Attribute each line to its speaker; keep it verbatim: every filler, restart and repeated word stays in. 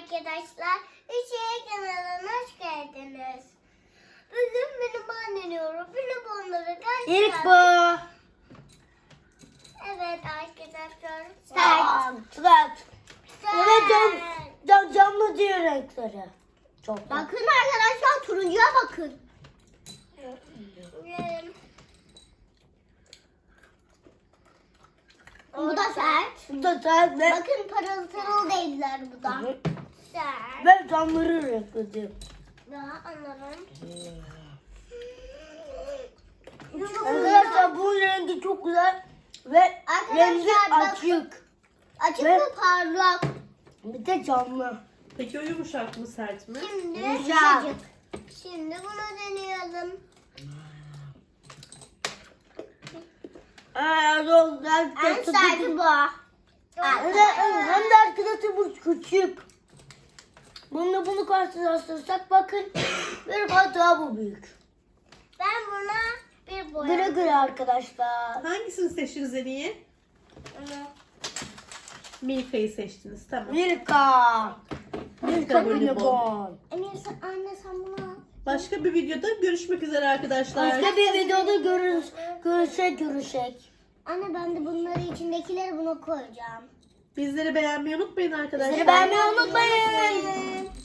Speaker 1: arkadaşlar. Üçe kanalına hoş geldiniz. Bugün benim deniyorum. Benim onları kaç
Speaker 2: İlk bu.
Speaker 1: Evet arkadaşlar.
Speaker 2: Sert. Sert. Evet cam, cam, camlı diyor renkleri. Çok da.
Speaker 1: Bakın arkadaşlar turuncuya bakın. Bu da sert.
Speaker 2: Bu da sert ve,
Speaker 1: Bakın parıl parıl değiller bu da.
Speaker 2: Hı.
Speaker 1: Sert.
Speaker 2: ve camları renkli diyor.
Speaker 1: Daha anlarım.
Speaker 2: Arkadaşlar bu rengi çok güzel ve rengi
Speaker 1: Arkadaşlar
Speaker 2: açık.
Speaker 1: Açık
Speaker 2: Ve-
Speaker 1: ve parlak.
Speaker 2: Bir de camlı.
Speaker 3: Peki o yumuşak mı sert mi?
Speaker 1: Şimdi
Speaker 2: Yumuşak.
Speaker 1: yumuşacık. Şimdi bunu deneyelim.
Speaker 2: Aa, çok güzel.
Speaker 1: En serti bu.
Speaker 2: Hem de, hem de arkadaşlar bu küçük. Bununla bunu karşılaştırırsak bakın bir kat daha bu büyük.
Speaker 1: Ben buna bir boya.
Speaker 2: Güle güle arkadaşlar.
Speaker 3: Hangisini seçtiniz en iyi? Milka'yı seçtiniz. Tamam.
Speaker 2: Milka. Milka
Speaker 3: Milka
Speaker 2: Bonibon.
Speaker 1: Emir sen, anne sen bunu al.
Speaker 3: Başka bir videoda görüşmek üzere arkadaşlar.
Speaker 2: Başka bir videoda görüş, görüşek görüşek.
Speaker 1: Anne ben de bunları içindekileri buna koyacağım.
Speaker 3: Bizleri beğenmeyi unutmayın arkadaşlar.
Speaker 2: Bizi beğenmeyi unutmayın.